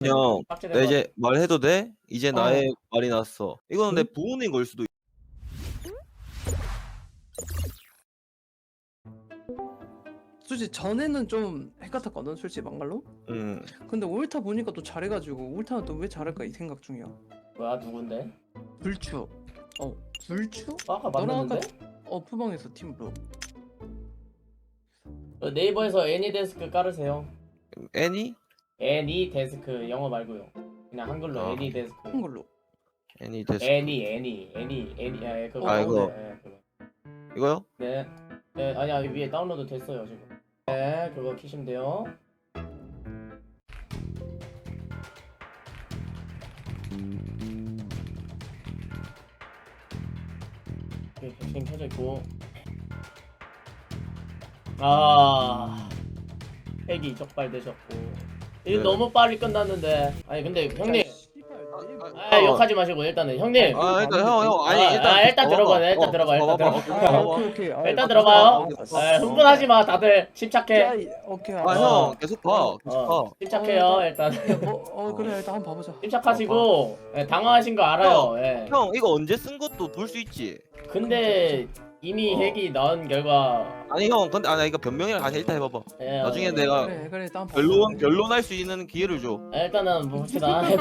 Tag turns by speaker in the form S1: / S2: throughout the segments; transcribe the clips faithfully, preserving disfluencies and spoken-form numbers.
S1: 형,
S2: 삭제된
S1: 나
S2: 거
S1: 이제 말해도 돼? 이제
S3: 어.
S1: 나의 말이 났어. 이거는 내
S3: 응?
S1: 부모님 걸 수도 있...
S3: 솔직히 전에는 좀 헷같았거든 솔직히 막말로.
S1: 응.
S3: 근데 올타 보니까 또 잘해가지고 올타는 또 왜 잘할까 이 생각 중이야.
S2: 뭐야 누군데?
S3: 불추. 어 불추?
S2: 아까
S3: 너랑
S2: 만났는데?
S3: 어 푸방에서 팀으로.
S2: 그 네이버에서 애니데스크 깔으세요.
S1: 애니?
S2: 애니데스크 영어 말고요. 그냥 한글로
S1: 아.
S2: 애니데스크.
S3: 한글로.
S1: 애니 데스.
S2: 애니 애니 애니 애니 아, 그거
S1: 아, 이거.
S2: 네, 그거.
S1: 이거요?
S2: 네. 네 아니야 위에 다운로드 됐어요 지금. 네 그거 키시면 돼요. 오케이 백신 켜져 있고. 아 핵이 적발되셨고. 이거
S1: 네.
S2: 너무 빨리 끝났는데. 아니 근데 형님. 아
S1: 어.
S2: 욕하지 마시고 일단은 형님.
S1: 아, 일단 형, 형. 아니,
S2: 아,
S1: 일단.
S2: 아, 일단
S1: 봐봐.
S2: 들어봐, 일단
S1: 어,
S2: 들어봐, 일단
S1: 봐봐.
S2: 들어봐.
S1: 오케이,
S3: 아
S1: 봐봐.
S3: 오케이 오케이. 아,
S2: 일단
S3: 아,
S2: 들어봐요.
S3: 아,
S2: 아,
S3: 아,
S2: 흥분하지 마, 다들 침착해.
S3: 아, 이- 오케이.
S1: 아,
S3: 알았어.
S1: 형, 계속 봐. 계속
S2: 어,
S1: 봐.
S2: 침착해요,
S3: 어,
S2: 일단.
S3: 야, 뭐, 어 그래 일단 한번 봐보자.
S2: 침착하시고 예, 당황하신 거 알아요. 예.
S1: 형, 이거 언제 쓴 것도 볼 수 있지.
S2: 근데 이미
S1: 어.
S2: 핵이 나온 결과.
S1: 아니, 형, 근데, 아니, 이거 변명이랑 다시 일단 해봐봐.
S2: 예,
S1: 나중에
S2: 어,
S1: 내가
S3: 그래 그래 일단 한번
S1: 변론,
S3: 봐보자.
S1: 변론할 수 있는 기회를 줘.
S2: 예, 일단은 뭐 봅시다.
S3: 어,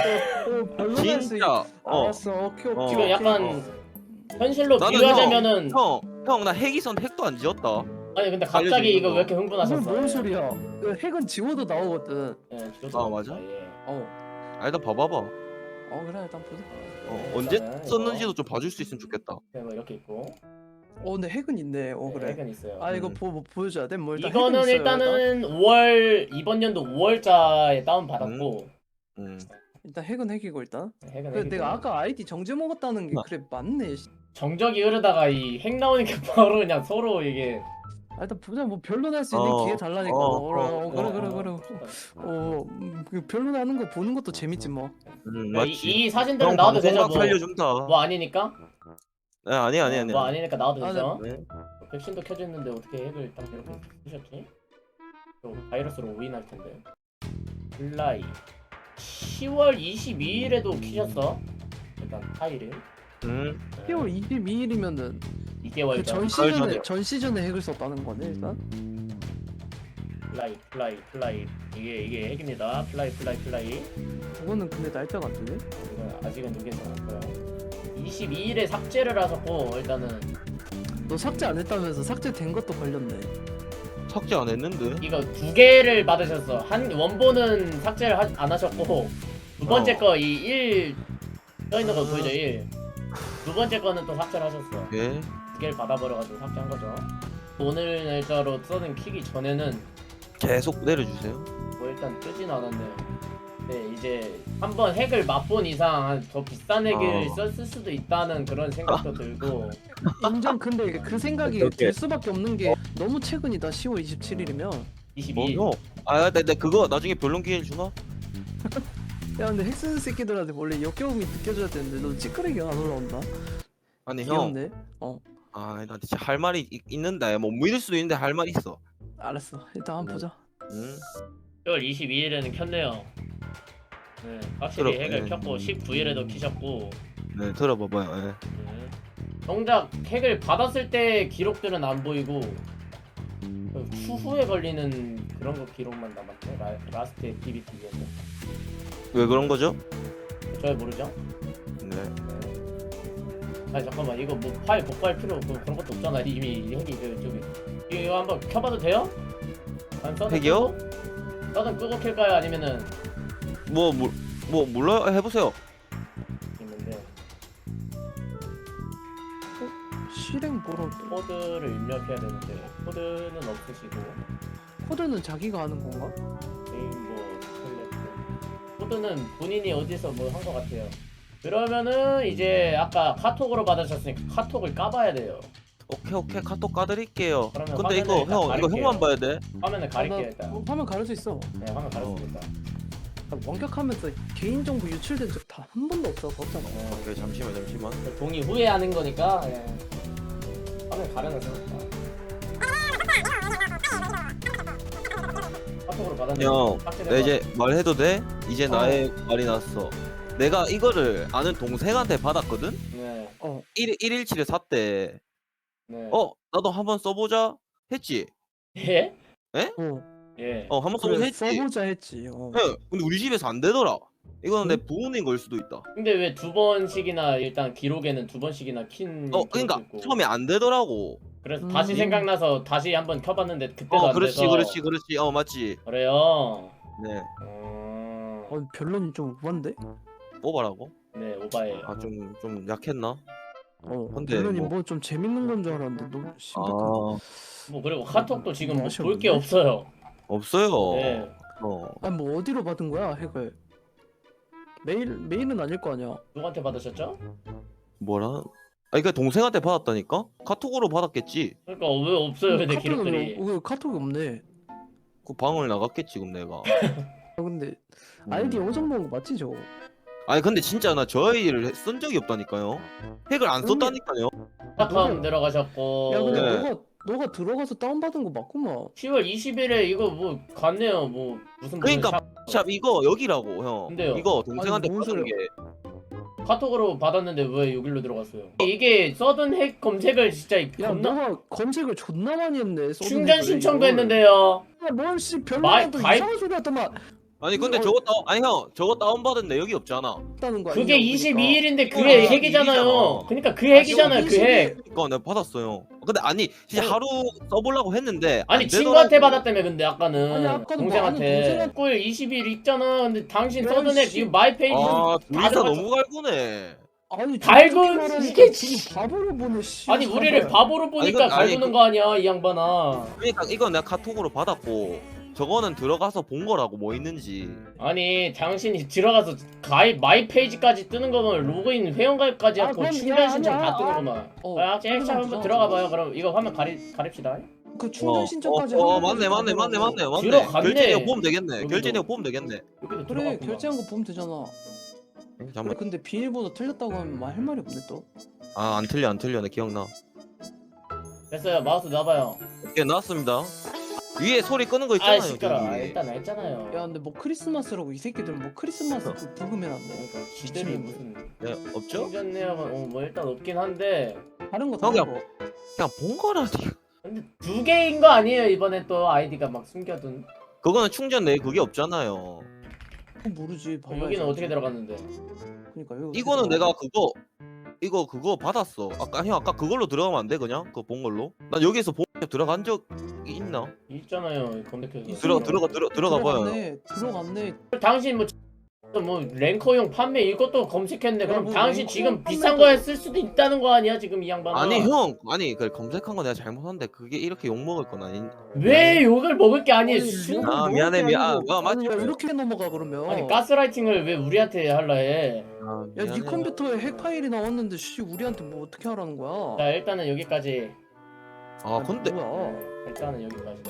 S3: 별로날 수 있.
S1: 진짜. 어.
S3: 알았어 오케이
S1: 어.
S3: 오케이.
S2: 지금
S3: 오케이.
S2: 약간 현실로
S1: 나는
S2: 비교하자면은.
S1: 형, 형, 나 핵이선 핵도 안 지었다.
S2: 아니 근데 갑자기
S1: 알려주는
S2: 이거
S1: 거.
S2: 왜 이렇게
S3: 이건
S2: 흥분하셨어?
S3: 뭔 소리야? 그 핵은 지워도 나오거든.
S2: 예, 지금
S1: 아, 맞아?
S2: 예.
S3: 어.
S1: 아, 일단 봐봐봐.
S3: 어 그래 일단 보자.
S1: 어, 언제
S2: 일단은
S1: 썼는지도 좀 봐줄 수 있으면 좋겠다.
S2: 이거, 뭐 이렇게 있고.
S3: 어 근데 핵은 있네. 어
S2: 네,
S3: 그래.
S2: 핵은 있어요.
S3: 아 이거
S1: 음.
S3: 보, 뭐 보여줘야 돼? 뭐 일단
S2: 이거는
S3: 핵은 있어요,
S2: 일단은 오월 이번 연도 오월자에 다운 받았고.
S1: 음.
S3: 일단 핵은 핵이고 일단.
S2: 핵은
S3: 그
S2: 핵이고.
S3: 내가 아까 아이디 정지 먹었다는 게
S1: 아.
S3: 그래 맞네. 씨.
S2: 정적이 흐르다가 이 핵 나오니까 바로 그냥 서로 이게.
S3: 아, 일단 보자. 뭐 별로날 수 있는
S1: 어,
S3: 기회 달라니까.
S1: 어,
S3: 어, 어,
S1: 어,
S3: 어, 그래
S1: 어,
S3: 그래 그래. 어 음, 그 별로나는 거 보는 것도 재밌지 뭐.
S1: 음,
S2: 이,
S1: 맞지.
S2: 이 사진들은
S1: 형
S2: 나와도 되죠.
S1: 방송각
S2: 뭐,
S1: 살려준다.
S2: 뭐 아니니까.
S1: 네, 아니 아니 아니.
S2: 뭐 아니니까 나와도
S3: 아,
S2: 되죠.
S1: 네.
S2: 백신도 켜져 있는데 어떻게 핵을 딱 이렇게 쓰셨지? 또 바이러스로 오인할 텐데. 플라이. 시월 이십이일에도 키셨어. 일단 파일을.
S1: 음.
S3: 시월 이십이일이면은
S2: 이 개월
S3: 그 전
S2: 전.
S1: 가을
S3: 시즌에
S1: 전이요.
S3: 전 시즌에 핵을 썼다는 거네 일단.
S2: 플라이 플라이 플라이 이게 이게 핵입니다. 플라이 플라이 플라이.
S3: 그거는 근데 날짜가 안 되네.
S2: 이건 아직은 누계서 났고요. 이십이일에 삭제를 하셨고 일단은
S3: 너 삭제 안 했다면서 삭제된 것도 걸렸네.
S1: 삭제 안 했는데.
S2: 이거 두 개를 받으셨어. 한 원본은 삭제를 하, 안 하셨고 두 번째
S1: 어.
S2: 거 이 일 떠있는 거 보이죠 일. 두 번째 거는 또 삭제를 하셨어.
S1: 예.
S2: 두 개를 받아버려가지고 삭제한 거죠. 오늘 날짜로 써는 키기 전에는
S1: 계속 내려주세요.
S2: 뭐 일단 뜨진 않았네요. 네 이제 한번 핵을 맛본 이상 더 비싼 핵을
S1: 어.
S2: 썼을 수도 있다는 그런 생각도 들고.
S3: 인정. 근데 그 생각이
S1: 오케이, 오케이.
S3: 들 수밖에 없는 게 너무 최근이다. 시월 이십칠일이면.
S2: 이십이일.
S1: 뭐 형? 아, 내, 내 그거 나중에 변론 기회 주나?
S3: 야 근데 핵 쓰는 새끼들한테 원래 역겨움이 느껴져야 되는데 너 찌끄레기가 안 올라온다.
S1: 아니 형.
S3: 귀엽네. 어
S1: 아, 나 진짜 할 말이 있, 있는데 뭐 믿을 수도 있는데 할 말이 있어.
S3: 알았어. 일단 한번 보자.
S1: 음.
S2: 시월 이십이일에는 켰네요. 네, 확실히
S1: 들어-
S2: 핵을
S1: 네.
S2: 켰고 십구일에도 키셨고.
S1: 네, 들어봐봐요. 예.
S2: 네. 정작 핵을 받았을 때 기록들은 안 보이고 그 추후에 걸리는 그런 거 기록만 남았네. 라, 라스트 액티비티였네.
S1: 왜 그런 거죠?
S2: 잘 모르죠?
S1: 네.
S2: 아니 잠깐만 이거 뭐 파일 복구할 필요 그, 그런 것도 없잖아. 이미 핵이 그 저기 이거 한번 켜봐도 돼요? 아니, 써는
S1: 핵이요?
S2: 끄고? 써는 끄고 켤까요? 아니면은
S1: 뭐, 뭐, 뭐 몰라 해보세요.
S2: 있는데
S3: 실행 보러
S2: 코드를 입력해야 되는데 코드는 없으시고
S3: 코드는 자기가 하는 건가?
S2: 네임버 셀렉트 코드는 본인이 어디서 뭐 한 것 같아요. 그러면은 이제 아까 카톡으로 받으셨으니까 카톡을 까봐야 돼요.
S1: 오케이 오케이 카톡 까드릴게요.
S2: 그러면
S1: 근데 이거
S2: 화면을
S1: 형
S2: 일단
S1: 이거
S2: 가릴게요.
S1: 형만 봐야 돼.
S2: 화면을 가릴게요
S3: 아, 나
S2: 일단.
S3: 어, 화면 가릴 수 있어.
S2: 네 화면 가렸습니다.
S3: 나 원격하면서 개인정보 유출된 적 다 한 번도 없어. 없잖아.
S2: 네.
S1: 오케이 잠시만 잠시만.
S2: 동의 후에 하는 거니까 예. 화면 가려놨으니까. 카톡으로 받았는데
S1: 형,
S2: 삭제된
S1: 나
S2: 거
S1: 이제 말해도 돼? 이제
S3: 어.
S1: 나의 말이 났어. 내가 이거를 아는 동생한테 받았거든.
S2: 네.
S3: 어.
S1: 일 일일치를 샀대.
S2: 네.
S1: 어 나도 한번 써보자 했지.
S2: 예?
S3: 어.
S2: 예.
S1: 어 한번 써보자
S3: 그래
S1: 했지.
S3: 써보자 했지. 어.
S1: 예. 근데 우리 집에서 안 되더라. 이거는 내
S3: 응?
S1: 부모님 걸 수도 있다.
S2: 근데 왜 두 번씩이나 일단 기록에는 두 번씩이나 킨
S1: 어
S2: 기록도
S1: 그러니까
S2: 있고.
S1: 처음에 안 되더라고.
S2: 그래서
S3: 음.
S2: 다시 생각나서 다시 한번 켜봤는데 그때도
S1: 어
S2: 안
S1: 그렇지
S2: 돼서
S1: 그렇지 그렇지 어 맞지.
S2: 그래요.
S1: 네
S2: 음...
S3: 어 변론이 좀 우한데?
S1: 뽑아라고?
S2: 네 오바예요.
S1: 아 좀 좀 약했나?
S3: 어.
S1: 근데
S3: 변론이
S1: 뭐-
S3: 뭐 좀 재밌는 건 줄 알았는데 너무 심각한.
S1: 아
S2: 뭐 그리고 카톡도 지금
S3: 뭐
S2: 뭐
S3: 아쉬웠는데?
S2: 볼 게 없어요.
S1: 없어요.
S2: 네.
S1: 어
S3: 아니 뭐 어디로 받은 거야 핵을? 메일 메일은 아닐 거 아니야.
S2: 누구한테 받으셨죠?
S1: 뭐라? 아니 그 동생한테 받았다니까? 카톡으로 받았겠지.
S2: 그러니까 왜 없어요 내
S3: 카톡이
S2: 기록들이.
S3: 없네. 왜 카톡이 없네.
S1: 그 방을 나갔겠지 지금 내가.
S3: 아 근데
S1: 음.
S3: 아이디 어정 먹은 거 맞지 저거?
S1: 아니 근데 진짜 나 저 아이디를 쓴 적이 없다니까요. 핵을 안 썼다니까요.
S2: 카카오
S3: 누구야?
S2: 들어가셨고.
S3: 야 근데
S1: 네.
S3: 너가 너가 들어가서 다운받은 거 맞구만.
S2: 시월 이십일에 이거 뭐 갔네요. 뭐 무슨
S1: 그러니까
S2: 무슨
S1: 샵 이거 여기라고 형.
S2: 근데요?
S1: 이거 동생한테
S3: 아니, 뭔
S1: 받은
S3: 소리야.
S1: 게.
S2: 샵 카톡으로 받았는데 왜 여기로 들어갔어요? 이게 서든 핵 검색을 진짜
S3: 야
S2: 겁나
S3: 너가 검색을 존나 많이 했네. 서든
S2: 충전
S3: 핵을,
S2: 신청도
S3: 이걸.
S2: 했는데요.
S3: 야, 뭘씨
S2: 마이-
S3: 별로라도
S2: 가입-
S3: 이상한 소리 하더만
S1: 아니 근데
S3: 어,
S1: 저거 다운 아니 형 저거 다운 받은 내역이 없잖아.
S3: 다는 거
S2: 그게
S3: 아니냐고,
S2: 이십이일인데
S1: 아,
S2: 그게
S1: 이십이일이잖아.
S2: 핵이잖아요. 그러니까 그 핵이잖아요. 그 핵.
S1: 그러니까 내가 받았어요. 근데 아니 진짜
S3: 어.
S1: 하루 써보려고 했는데
S2: 아니
S1: 안
S2: 친구한테
S1: 되더라고.
S2: 받았다며 근데 아까는
S3: 아니, 아까도 뭐
S2: 동생한테
S3: 아는 동생한-
S2: 꿀 이십일 있잖아. 근데 당신
S3: 야,
S2: 서든 핵
S3: 씨.
S2: 지금 마이 페이지
S1: 아
S2: 다
S1: 둘이서
S2: 들어갔어.
S1: 너무 갈구네.
S3: 아니
S2: 갈군
S3: 저렇게 말하니까
S2: 이게
S3: 지금 바보를 보네 씨.
S2: 아니 우리를
S3: 사발.
S2: 바보로 보니까
S1: 이건- 아니,
S2: 갈구는
S1: 그-
S2: 거 아니야 이 양반아.
S1: 그러니까 이건 내가 카톡으로 받았고 저거는 들어가서 본 거라고 뭐 있는지.
S2: 아니 당신이 들어가서 가입 마이 페이지까지 뜨는 거면 로그인 회원가입까지
S3: 아,
S2: 하고
S3: 그럼
S2: 충전
S3: 야,
S2: 신청
S3: 아니야.
S2: 다 뜨는 거만.
S3: 어,
S2: 아, 제
S3: 충전
S2: 한번
S3: 신청
S2: 들어가 봐요.
S3: 하자.
S2: 그럼 이거 화면 가리 가립시다.
S3: 그 충전
S1: 어,
S3: 신청까지
S1: 어, 어
S3: 하는
S1: 맞네
S3: 거지,
S1: 맞네 맞네
S3: 바보라고.
S1: 맞네 맞네.
S2: 들어갔네.
S1: 결제 내역 보면 되겠네.
S2: 여기도.
S1: 결제 내역 보면 되겠네.
S2: 여기도
S3: 그래
S2: 들어갔구나.
S3: 결제한 거 보면 되잖아. 그래
S1: 잠깐.
S3: 근데 비밀번호 틀렸다고 하면 말 할 말이 없네 또.
S1: 아안 틀려 안 틀려 내 기억나.
S2: 됐어요. 마우스 놔봐요.
S1: 예 나왔습니다. 위에 소리 끄는 거
S2: 아
S1: 있잖아요.
S2: 시끄러. 아,
S1: 저기.
S2: 일단 했잖아요.
S3: 야 근데 뭐 크리스마스라고 이 새끼들은 뭐 크리스마스 그 부금해놨네.
S2: 그러니까 지들이 무슨
S1: 네 없죠?
S2: 충전 내역은 어, 뭐 일단 없긴 한데
S3: 다른 거
S1: 형이야.
S3: 다른 거.
S1: 그냥 본 거라니.
S2: 근데 두 개인 거 아니에요 이번에 또 아이디가 막 숨겨둔.
S1: 그거는 충전 내역 그게 없잖아요.
S3: 그건 모르지.
S2: 어, 여기는 어떻게 들어갔는데?
S3: 그러니까 여기 어떻게
S1: 이거는
S3: 들어가?
S1: 내가 그거 이거 그거 받았어. 아까 형 아까 그걸로 들어가면 안 돼 그냥 그거 본 걸로? 난 여기서 본 들어간 적이 있나?
S2: 있잖아요 검색해서.
S1: 들어 들어가 들어 들어가 봐요.
S3: 들어갔네. 들어갔네.
S2: 당신 뭐, 뭐 랭커용 판매 이것도 검색했네. 그럼
S3: 뭐
S2: 당신
S3: 랭커
S2: 지금
S3: 판매도-
S2: 비싼 거에 쓸 수도 있다는 거 아니야 지금 이 양반아?
S1: 아니 형 아니 그 검색한 거 내가 잘못한데 그게 이렇게 욕 먹을 건 아닌.
S2: 왜 욕을 먹을 게 아니에요?
S3: 아니,
S2: 수...
S3: 욕을
S1: 아,
S3: 먹을
S1: 미안해,
S3: 게
S1: 미안-
S3: 아니고,
S1: 아, 아,
S3: 아니, 야,
S1: 맞지.
S3: 이렇게 넘어가 그러면.
S2: 아니 가스라이팅을 왜 우리한테 할라 해?
S1: 아,
S3: 야, 네
S1: 미안해.
S3: 컴퓨터에 핵 파일이 나왔는데 씨 우리한테 뭐 어떻게 하라는 거야?
S2: 자 일단은 여기까지.
S1: 아 근데
S3: 뭐야?
S2: 일단은 여기까지.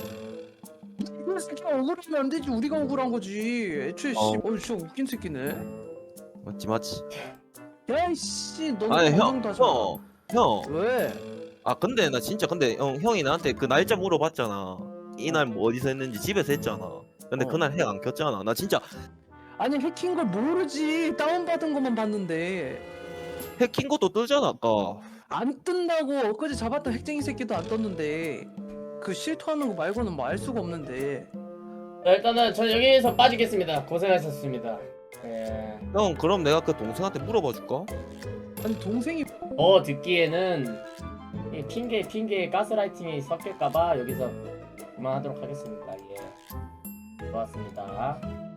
S3: 이거 새끼가 억울하면 안 되지. 우리가 억울한 거지. 애초에 씨,
S1: 어.
S3: 어, 진짜 웃긴 새끼네.
S1: 맞지 맞지.
S3: 야, 씨, 너는
S1: 아니
S3: 감정도 하지 마.
S1: 형형 형.
S3: 왜?
S1: 아 근데 나 진짜 근데 형 형이 나한테 그 날짜 물어봤잖아. 이날 뭐 어디서 했는지 집에서 했잖아. 근데
S3: 어.
S1: 그날 핵 안 켰잖아. 나 진짜
S3: 아니 해킹 걸 모르지. 다운 받은 것만 봤는데
S1: 핵 킨 것도 뜨잖아 아까.
S3: 안 뜬다고. 엊그제 잡았던 핵쟁이 새끼도 안 떴는데 그 실토하는 거 말고는 뭐 알 수가 없는데.
S2: 자 일단은 저 여기에서 빠지겠습니다. 고생하셨습니다. 예.
S1: 형 그럼 내가 그 동생한테 물어봐 줄까?
S3: 아니 동생이
S2: 어 듣기에는 이 핑계 핑계에 가스라이팅이 섞일까봐 여기서 그만하도록 하겠습니다. 예. 좋았습니다.